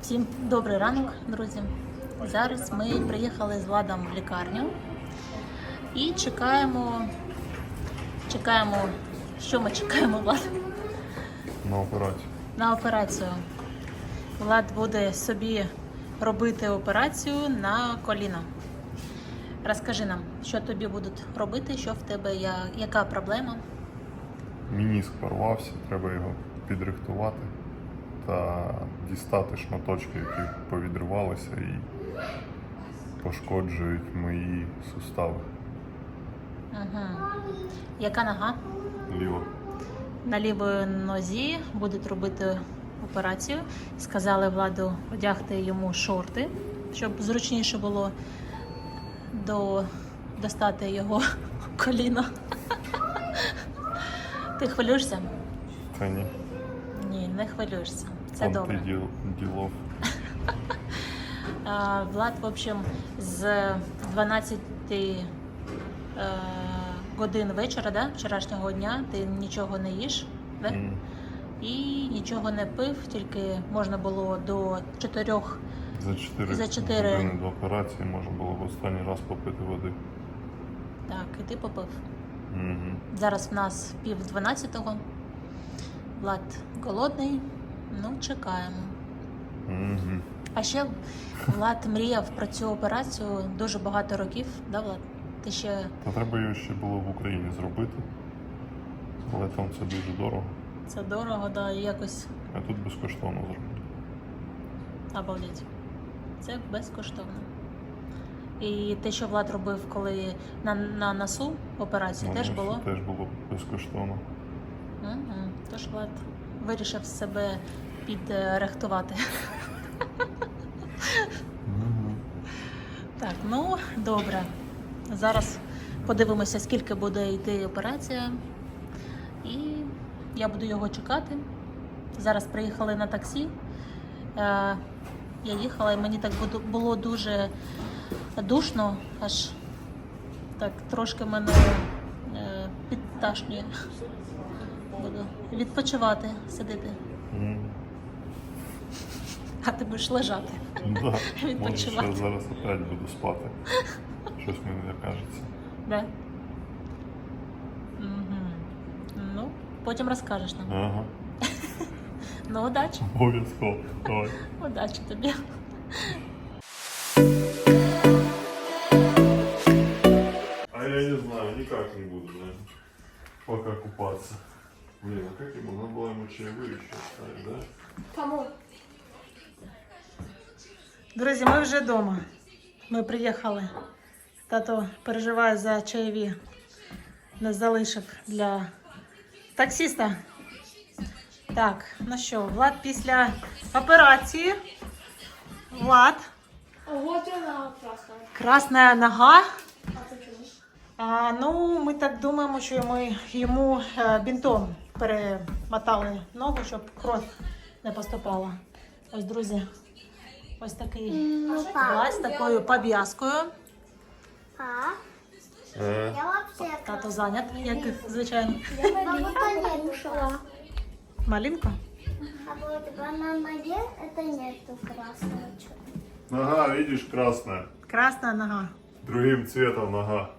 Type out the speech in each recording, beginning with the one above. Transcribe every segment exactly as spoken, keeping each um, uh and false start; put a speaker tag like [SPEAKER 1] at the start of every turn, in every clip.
[SPEAKER 1] Всім добрий ранок, друзі. Зараз ми приїхали з Владом в лікарню і чекаємо, чекаємо, що ми чекаємо, Влад?
[SPEAKER 2] На операцію.
[SPEAKER 1] На операцію. Влад буде собі робити операцію на коліно. Розкажи нам, що тобі будуть робити, що в тебе, яка проблема?
[SPEAKER 2] Мініск порвався, треба його підрихтувати та дістати шматочки, які повідривалися і пошкоджують мої сустави.
[SPEAKER 1] Угу. Яка нога?
[SPEAKER 2] Ліво.
[SPEAKER 1] На лівій нозі будуть робити операцію. Сказали Владу одягти йому шорти, щоб зручніше було до... достати його коліно. Ти хвилюєшся?
[SPEAKER 2] Та ні.
[SPEAKER 1] Ні, не хвилюєшся. Це
[SPEAKER 2] Там
[SPEAKER 1] добре.
[SPEAKER 2] ти діл, ділов.
[SPEAKER 1] А, Влад, в общем, з дванадцяти е, годин вечора, да, вчорашнього дня, ти нічого не їш, да?
[SPEAKER 2] Mm.
[SPEAKER 1] І нічого не пив, тільки можна було до чотирьох.
[SPEAKER 2] За чотири
[SPEAKER 1] За чотири.
[SPEAKER 2] години до операції можна було б останній раз попити води.
[SPEAKER 1] Так, і ти попив.
[SPEAKER 2] Mm-hmm.
[SPEAKER 1] Зараз в нас пів дванадцятого. Влад голодний, ну чекаємо.
[SPEAKER 2] Mm-hmm.
[SPEAKER 1] А ще Влад мріяв про цю операцію дуже багато років, да, Влад? Ти ще...
[SPEAKER 2] Та треба його ще було в Україні зробити, але там це дуже дорого.
[SPEAKER 1] Це дорого, да, і якось...
[SPEAKER 2] А тут безкоштовно зробили.
[SPEAKER 1] Обалдеть. Це безкоштовно. І те, що Влад робив, коли на, на носу операцію,
[SPEAKER 2] Ну,
[SPEAKER 1] теж
[SPEAKER 2] це
[SPEAKER 1] було?
[SPEAKER 2] Теж було безкоштовно.
[SPEAKER 1] Угу. Тож Влад вирішив себе підрихтувати.
[SPEAKER 2] Mm-hmm.
[SPEAKER 1] Так, ну, добре. Зараз подивимося, скільки буде йти операція. І я буду його чекати. Зараз приїхали на таксі. Я їхала, і мені так було дуже душно, аж так трошки мене підташнює. Буду відпочивати, сидіти.
[SPEAKER 2] Mm.
[SPEAKER 1] А ти будеш лежати.
[SPEAKER 2] Да.
[SPEAKER 1] Відпочивати.
[SPEAKER 2] Може, зараз опять буду спати. Щось мені не кажеться.
[SPEAKER 1] Да? Угу. Ну, потім розкажеш нам.
[SPEAKER 2] Ага.
[SPEAKER 1] Ну, удачі.
[SPEAKER 2] Обов'язково. Давай.
[SPEAKER 1] Удачі тобі.
[SPEAKER 2] А я не знаю, никак не буду, наверное, пока купаться. Блин, а как ему? Надо было ему чаевые еще оставить, да?
[SPEAKER 3] Кому?
[SPEAKER 1] Друзі, ми вже вдома. Ми приїхали. Тато переживає за чаєві. Нас залишив для таксиста. Так, ну що, Влад після операції. Влад.
[SPEAKER 3] А вот она красная.
[SPEAKER 1] Красна нога.
[SPEAKER 3] А почему?
[SPEAKER 1] А, ну, ми так думаємо, що ми йому е, бінтом перемотали ногу, щоб кров не поступала. Ось, друзі, ось такий Влад з такою пов'язкою.
[SPEAKER 3] А?
[SPEAKER 2] Э,
[SPEAKER 3] Я вообще
[SPEAKER 1] Тато зайнят, як звичайно.
[SPEAKER 3] Я малинку кушала.
[SPEAKER 1] Малинка?
[SPEAKER 3] А вот на ноге это нету красного чего.
[SPEAKER 2] Нога, видишь, красная.
[SPEAKER 1] Красна нога.
[SPEAKER 2] Другим цветом нога.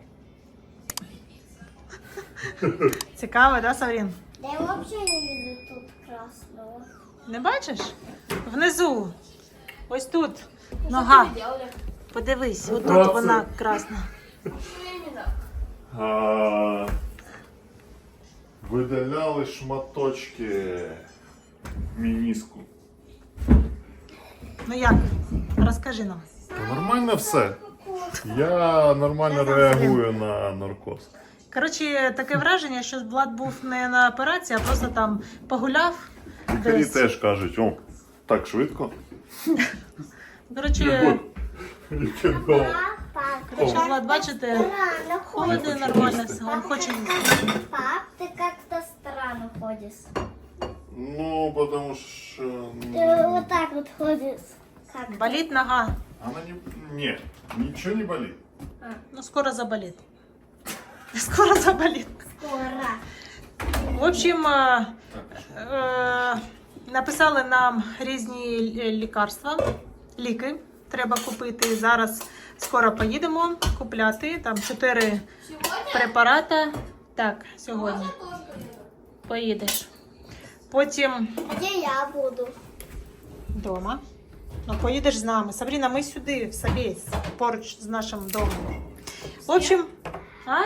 [SPEAKER 1] Цікаво, да, Саврін?
[SPEAKER 3] Да я вообще не вижу тут красного.
[SPEAKER 1] Не бачиш? Внизу. Ось тут нога. Подивись, отут
[SPEAKER 2] Оце.
[SPEAKER 1] вона красна.
[SPEAKER 2] А, видаляли шматочки мініску.
[SPEAKER 1] Ну як? Розкажи нам.
[SPEAKER 2] Та нормально все. Я нормально реагую на наркоз.
[SPEAKER 1] Коротше, таке враження, що Влад був не на операції, а просто там погуляв.
[SPEAKER 2] Лікарі
[SPEAKER 1] десь.
[SPEAKER 2] теж кажуть, о, так швидко.
[SPEAKER 1] Коротше,
[SPEAKER 2] Нічого.
[SPEAKER 3] Пап,
[SPEAKER 1] коротше, Влад, бачите,
[SPEAKER 3] странно
[SPEAKER 1] ходить
[SPEAKER 2] хоче
[SPEAKER 1] нормально,
[SPEAKER 2] їсти.
[SPEAKER 1] він хоче їсти.
[SPEAKER 3] Пап, ты как-то странно ходишь.
[SPEAKER 2] Ну, потому что...
[SPEAKER 3] Ты вот так вот ходишь. Как?
[SPEAKER 1] Болить нога.
[SPEAKER 2] Она не... Нет, ничего не болит.
[SPEAKER 1] Ну, скоро заболит. Скоро заболит.
[SPEAKER 3] Скоро.
[SPEAKER 1] В общем, э, э, Написали нам різні лі- лікарства, ліки треба купити. Зараз скоро поїдемо купляти. Там чотири препарати. Так, сьогодні поїдеш. Потім
[SPEAKER 3] Где я буду?
[SPEAKER 1] вдома. Ну, поїдеш з нами. Сабріна, ми сюди, в Собєсь, поруч з нашим домом. В общем, а?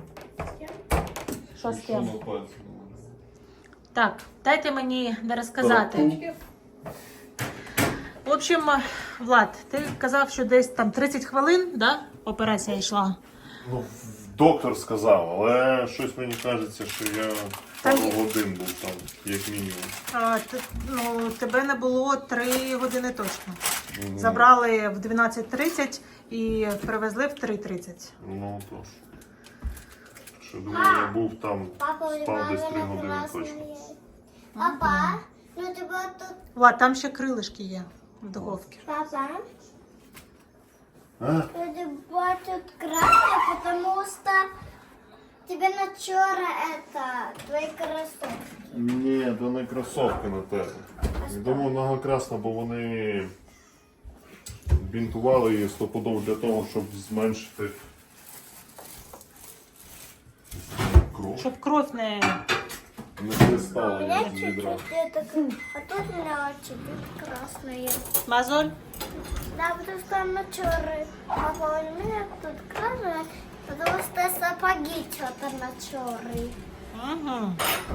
[SPEAKER 1] Що з
[SPEAKER 2] Що
[SPEAKER 1] ким?
[SPEAKER 2] на пальці?
[SPEAKER 1] Так, дайте мені не розказати. В общем, Влад, ти казав, що десь там тридцять хвилин, да, операція йшла.
[SPEAKER 2] Ну, доктор сказав, але щось мені кажеться, що я
[SPEAKER 1] Там
[SPEAKER 2] пару
[SPEAKER 1] є-
[SPEAKER 2] годин був там, як мінімум.
[SPEAKER 1] А, ти, ну, тебе не було три години точно.
[SPEAKER 2] Мгм.
[SPEAKER 1] Забрали в дванадцять тридцять і привезли в три тридцять.
[SPEAKER 2] Ну тож. Що думаю, я був там,
[SPEAKER 3] Папа,
[SPEAKER 2] спав десь три
[SPEAKER 3] мама
[SPEAKER 2] години точно.
[SPEAKER 3] красная. Папа, ну тебя тут...
[SPEAKER 1] Влад, там ще крилишки є в духовці.
[SPEAKER 3] Папа,
[SPEAKER 2] А?
[SPEAKER 3] у тебя тут красная, потому что тебе начала это, твои кроссовки.
[SPEAKER 2] Ні, то не кросовки на тебе. Я думав, нога красна, бо вони бінтували її стопудово для того, щоб зменшити кров.
[SPEAKER 1] Щоб кров не...
[SPEAKER 2] Не
[SPEAKER 3] У
[SPEAKER 2] хлистала
[SPEAKER 3] меня
[SPEAKER 2] її з відра.
[SPEAKER 3] чуть-чуть это, а тут у меня чуть-чуть красное.
[SPEAKER 1] Мазоль?
[SPEAKER 3] Да, потому что она черная. Папа, у меня тут красное, потому что сапоги что-то на черные.
[SPEAKER 1] Угу.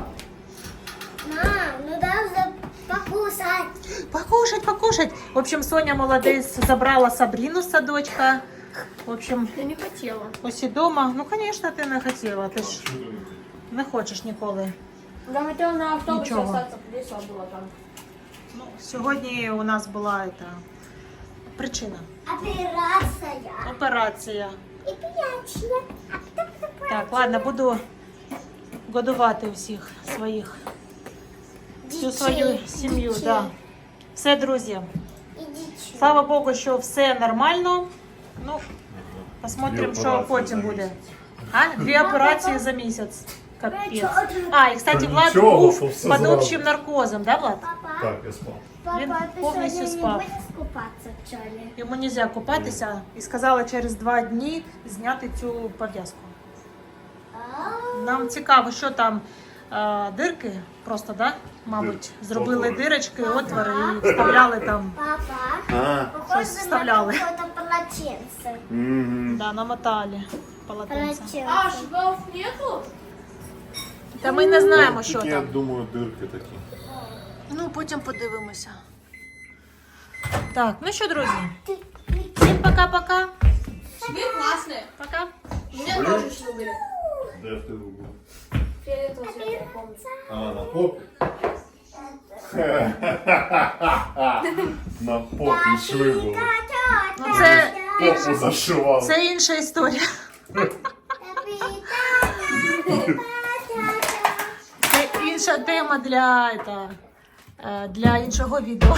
[SPEAKER 3] Мам, ну дай покусать.
[SPEAKER 1] Покушать, покушать. В общем, Соня молодець забрала Сабріну з садочка. В общем,
[SPEAKER 4] Я не хотела.
[SPEAKER 1] усі дома. Ну, звісно, ти не хотіла. Ти ж не хочеш ніколи.
[SPEAKER 4] Я хотела на автобусе
[SPEAKER 1] Ничего.
[SPEAKER 4] остаться, весело было там.
[SPEAKER 1] Ну, сьогодні у нас була ета, причина.
[SPEAKER 3] Операция.
[SPEAKER 1] Операція.
[SPEAKER 3] И пьячья. А кто это
[SPEAKER 1] Так, ладно, буду годувати всіх своїх, всю свою сім'ю. Да. Все, друзі.
[SPEAKER 3] Идите.
[SPEAKER 1] Слава Богу, що все нормально. Ну, посмотрим,
[SPEAKER 2] Дві
[SPEAKER 1] що
[SPEAKER 2] операції
[SPEAKER 1] потім
[SPEAKER 2] за
[SPEAKER 1] буде.
[SPEAKER 2] місяць.
[SPEAKER 1] А? Дві операції за місяць. Капець.
[SPEAKER 3] Папа,
[SPEAKER 1] А, і, кстати,
[SPEAKER 2] Та
[SPEAKER 1] Влад
[SPEAKER 2] нічого,
[SPEAKER 1] був
[SPEAKER 2] то все
[SPEAKER 1] під
[SPEAKER 2] зразу.
[SPEAKER 1] общим наркозом, да, Влад?
[SPEAKER 3] Папа,
[SPEAKER 2] Так, я спав.
[SPEAKER 1] Він
[SPEAKER 3] папа, ты
[SPEAKER 1] повністю
[SPEAKER 3] сегодня не
[SPEAKER 1] спав.
[SPEAKER 3] будешь купаться, что ли?
[SPEAKER 1] Йому не можна купатися і сказали через два дні зняти цю пов'язку.
[SPEAKER 3] А,
[SPEAKER 1] Нам цікаво, що там е, дирки просто, да? Мабуть,
[SPEAKER 2] Дир-
[SPEAKER 1] зробили
[SPEAKER 2] отвори.
[SPEAKER 1] дирочки, отвори і вставляли там.
[SPEAKER 3] Папа,
[SPEAKER 2] А,
[SPEAKER 3] похоже
[SPEAKER 1] Щось
[SPEAKER 3] на
[SPEAKER 1] вставляли.
[SPEAKER 3] какое-то полотенце.
[SPEAKER 2] угу.
[SPEAKER 1] Да, намотали полотенце.
[SPEAKER 3] Полотенце.
[SPEAKER 4] А, швов нету?
[SPEAKER 1] Та ми не знаємо, що
[SPEAKER 2] Я
[SPEAKER 1] там.
[SPEAKER 2] думаю, дирки такі.
[SPEAKER 1] Ну, потім подивимося. Так, ну що, друзі,
[SPEAKER 3] Ты- ты-
[SPEAKER 1] всім пока-пока.
[SPEAKER 4] Швы классные.
[SPEAKER 1] Пока.
[SPEAKER 4] У меня тоже швы были.
[SPEAKER 2] Де в тебе був?
[SPEAKER 4] Фиолетового цвета, я помню.
[SPEAKER 2] А, на попі? На попі шви були.
[SPEAKER 1] Ну, це,
[SPEAKER 2] Попу зашивали.
[SPEAKER 1] це інша історія. Це інша тема для, это, е, для іншого відео.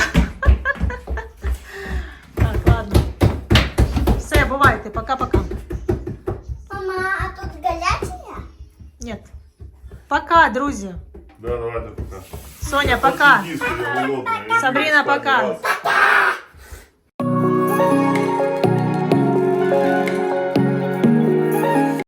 [SPEAKER 1] Так, ладно. Все, бувайте, пока-пока.
[SPEAKER 3] Мама, а тут горячая?
[SPEAKER 1] Нет. Пока, друзі.
[SPEAKER 2] Да, давайте пока.
[SPEAKER 1] Соня, пока.
[SPEAKER 2] Сиди, я голодний. Я
[SPEAKER 1] Сабріна,
[SPEAKER 2] йду спати,
[SPEAKER 1] пока.
[SPEAKER 2] раз.